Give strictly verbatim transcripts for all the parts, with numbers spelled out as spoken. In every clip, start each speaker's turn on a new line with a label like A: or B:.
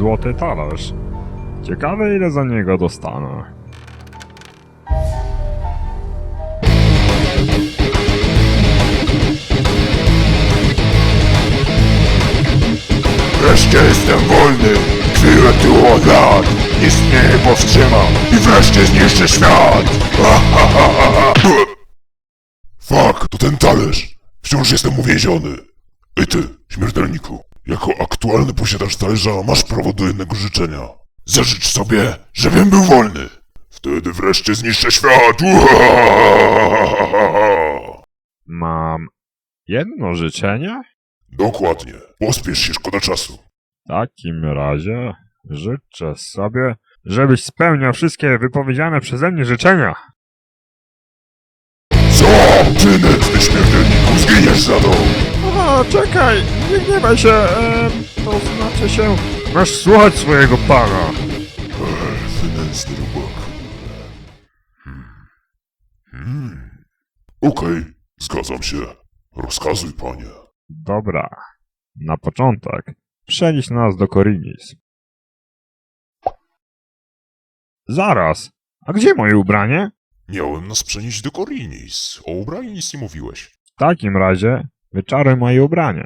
A: Złoty talerz. Ciekawe, ile za niego dostanę.
B: Wreszcie jestem wolny, chwilę tu od lat. Nic mnie nie powstrzyma i wreszcie zniszczę świat. Ha, ha, ha, ha, ha. Fuck, to ten talerz. Wciąż jestem uwięziony. Ej ty, śmiertelniku, jako aktualny posiadacz talerza masz prawo do jednego życzenia. Zażycz sobie, żebym był wolny. Wtedy wreszcie zniszczę świat.
A: Mam jedno życzenie?
B: Dokładnie. Pospiesz się, szkoda czasu.
A: W takim razie życzę sobie, żebyś spełniał wszystkie wypowiedziane przeze mnie życzenia.
B: Co? Ty nędzny śmiertelniku, zginiesz za to!
A: A, czekaj, nie gniewaj się, e, to znaczy się... Masz słuchać swojego pana.
B: Ech, ty nędzny rubak. Hmm. Hmm. Okej, zgadzam się. Rozkazuj, panie.
A: Dobra, na początek przenieś nas do Korinis. Zaraz, a gdzie moje ubranie?
B: Miałem nas przenieść do Korinis. O ubraniu nic nie mówiłeś.
A: W takim razie wyczaruj moje ubranie.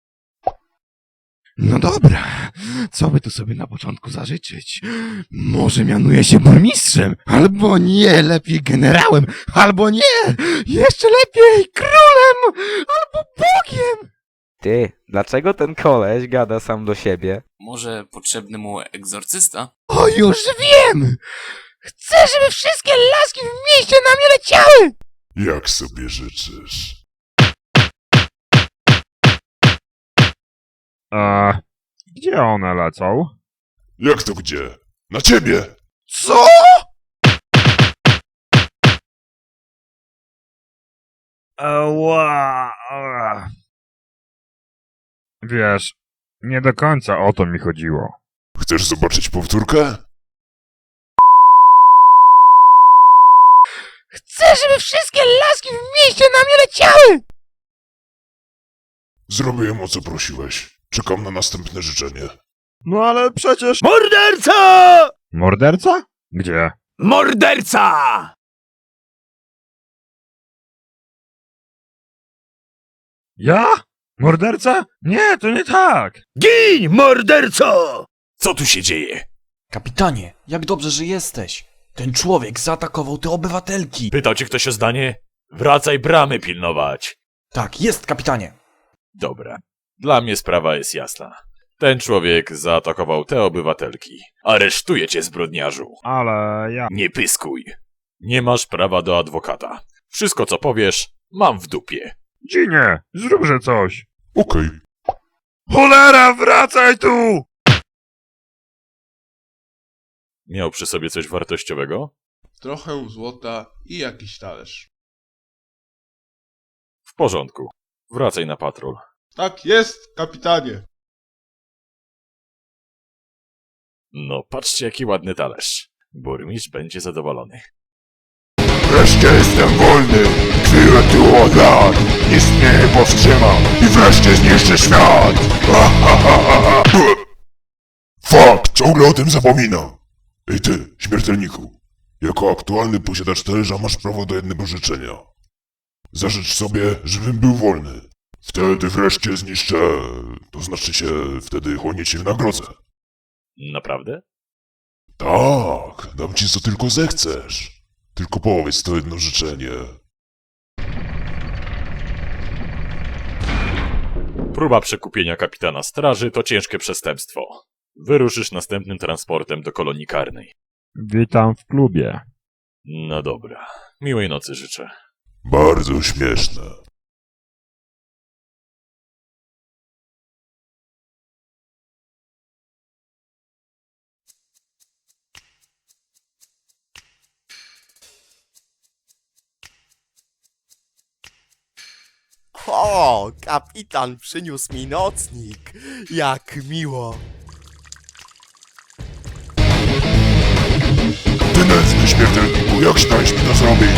C: No dobra, co by tu sobie na początku zażyczyć? Może mianuję się burmistrzem? Albo nie, lepiej generałem? Albo nie, jeszcze lepiej królem! Albo bogiem!
D: Ty, dlaczego ten koleś gada sam do siebie?
E: Może potrzebny mu egzorcysta?
C: O, już wiem! Chcę, żeby wszystkie laski w mieście na mnie leciały!
B: Jak sobie życzysz?
A: Eee, gdzie one lecą?
B: Jak to gdzie? Na ciebie!
C: Co?
A: Ała, ała. Wiesz, nie do końca o to mi chodziło.
B: Chcesz zobaczyć powtórkę?
C: Chcę, żeby wszystkie laski w mieście na mnie leciały!
B: Zrobiłem o co prosiłeś. Czekam na następne życzenie.
A: No ale przecież...
C: Morderca!
A: Morderca? Gdzie?
C: Morderca!
A: Ja? Morderca? Nie, to nie tak!
C: Gin, morderco!
F: Co tu się dzieje?
G: Kapitanie, jak dobrze, że jesteś. Ten człowiek zaatakował te obywatelki.
F: Pytał cię ktoś o zdanie? Wracaj bramy pilnować.
G: Tak, jest, kapitanie.
F: Dobra. Dla mnie sprawa jest jasna. Ten człowiek zaatakował te obywatelki. Aresztuję cię, zbrodniarzu.
A: Ale ja...
F: Nie pyskuj. Nie masz prawa do adwokata. Wszystko, co powiesz, mam w dupie.
A: Ginie, zróbże coś!
B: Okej.
A: Cholera, wracaj tu!
F: Miał przy sobie coś wartościowego?
H: Trochę złota i jakiś talerz.
F: W porządku. Wracaj na patrol.
H: Tak jest, kapitanie.
F: No, patrzcie, jaki ładny talerz. Burmistrz będzie zadowolony.
B: Wreszcie jestem wolny, chwilę tu od lat. Nic mnie nie powstrzyma i wreszcie zniszczę świat. Ha, ha, ha, ha, ha. Fuck, ciągle o tym zapominam. Ej ty, śmiertelniku. Jako aktualny posiadacz talerza masz prawo do jednego życzenia. Zażycz sobie, żebym był wolny. Wtedy wreszcie zniszczę... To znaczy się, wtedy chłonie cię wynagrodzę.
F: Naprawdę?
B: Tak, dam ci co tylko zechcesz. Tylko powiedz to jedno życzenie.
F: Próba przekupienia kapitana straży to ciężkie przestępstwo. Wyruszysz następnym transportem do kolonii karnej.
A: Witam w klubie.
F: No dobra. Miłej nocy życzę.
B: Bardzo śmieszne.
I: O, kapitan przyniósł mi nocnik. Jak miło.
B: Ty nędzny śmiertelniku, jak śmiałeś mi to zrobić?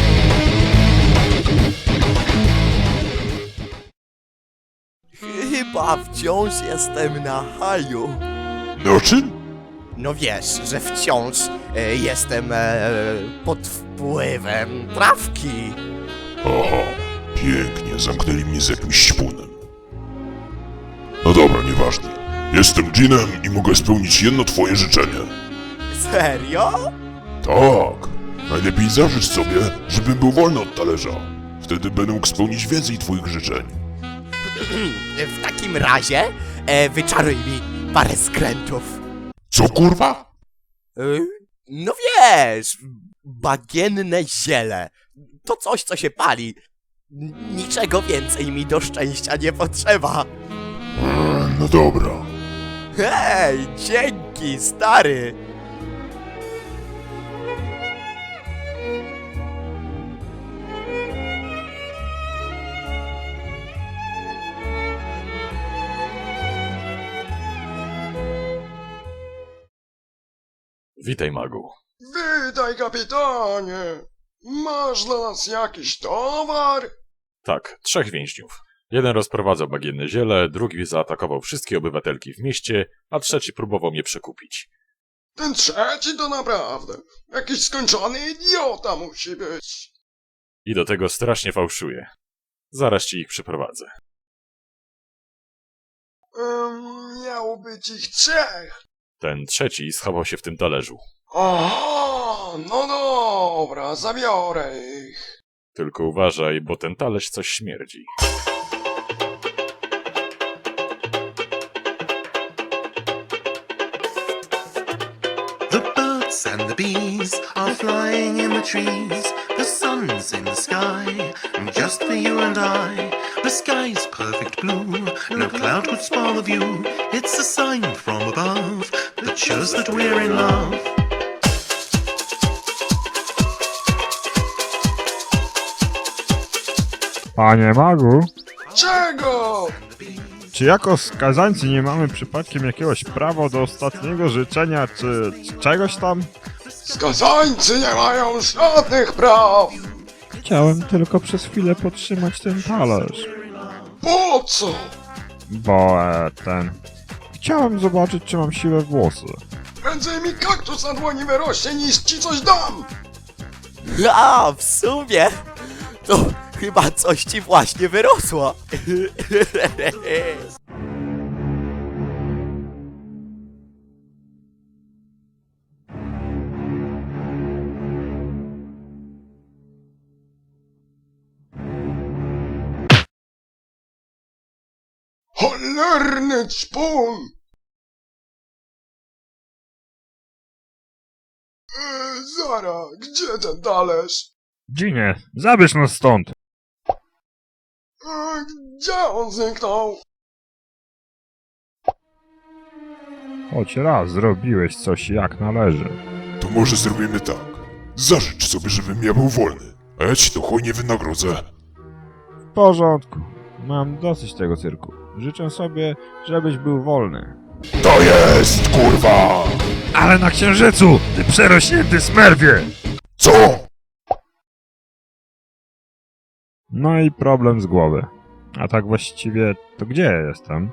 I: Chyba chyba wciąż jestem na haju.
B: Na czym?
I: No wiesz, że wciąż e, jestem e, pod wpływem trawki.
B: Aha, pięknie, zamknęli mnie z jakimś śpunem. No dobra, nieważne. Jestem dżinem i mogę spełnić jedno twoje życzenie.
I: Serio?
B: Tak. Najlepiej zażycz sobie, żebym był wolny od talerza. Wtedy będę mógł spełnić więcej twoich życzeń.
I: W takim razie e, wyczaruj mi parę skrętów.
B: Co kurwa?
I: E, no wiesz, bagienne ziele. To coś, co się pali. Niczego więcej mi do szczęścia nie potrzeba.
B: Eee, no dobra.
I: Hej, dzięki, stary.
F: Witaj, magu.
H: Witaj, kapitanie! Masz dla nas jakiś towar?
F: Tak, trzech więźniów. Jeden rozprowadzał bagienne ziele, drugi zaatakował wszystkie obywatelki w mieście, a trzeci próbował mnie przekupić.
H: Ten trzeci to naprawdę jakiś skończony idiota musi być.
F: I do tego strasznie fałszuje. Zaraz ci ich przyprowadzę.
H: Um, miało być ich trzech.
F: Ten trzeci schował się w tym talerzu.
H: Aha, no dobra, zabiorę ich.
F: Tylko uważaj, bo ten talerz coś śmierdzi.
J: The birds and the bees are flying in the trees. The sun's in the sky, just for you and I. The sky's perfect blue, no cloud could spoil the view. It's a sign from above that shows that we're in love.
A: Panie magu,
H: Czego?
A: czy jako skazańcy nie mamy przypadkiem jakiegoś prawa do ostatniego życzenia, czy czegoś tam?
H: Skazańcy nie mają żadnych praw.
A: Chciałem tylko przez chwilę podtrzymać ten talerz.
H: Po co?
A: Bo e, ten... Chciałem zobaczyć, czy mam siłę włosy.
H: Prędzej mi kaktus na dłoni wyrośnie, niż ci coś dam.
I: A, w sumie to chyba coś ci właśnie wyrosło.
H: Cholerny ćpun! E, Zara, gdzie ten talerz?
A: Ginie, zabierz nas stąd!
H: E, Gdzie on zniknął?
A: Choć raz zrobiłeś coś jak należy.
B: To może zrobimy tak. Zażycz sobie, żebym ja był wolny, a ja ci to hojnie wynagrodzę.
A: W porządku. Mam dosyć tego cyrku. Życzę sobie, żebyś był wolny.
B: To jest, kurwa!
A: Ale na księżycu, ty przerośnięty smerwie!
B: Co?
A: No i problem z głowy. A tak właściwie, to gdzie ja jestem?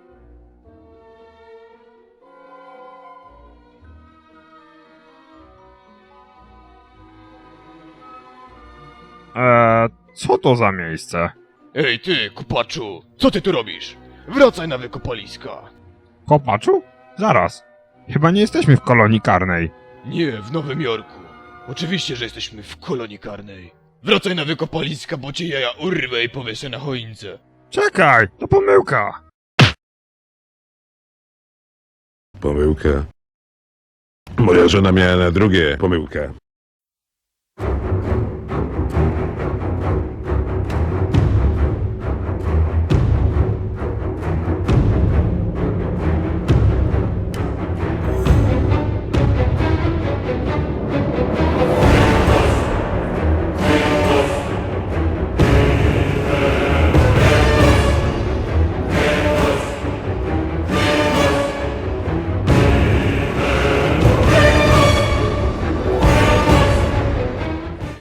A: Eee, co to za miejsce?
C: Ej ty, kupaczu, co ty tu robisz? Wracaj na wykopaliska.
A: Kopaczu? Zaraz. Chyba nie jesteśmy w kolonii karnej.
C: Nie, w Nowym Jorku. Oczywiście, że jesteśmy w kolonii karnej. Wracaj na wykopaliska, bo cię jaja urwę i powieszę na choince.
A: Czekaj, to pomyłka.
K: Pomyłkę. Moja żona miała na drugie pomyłkę.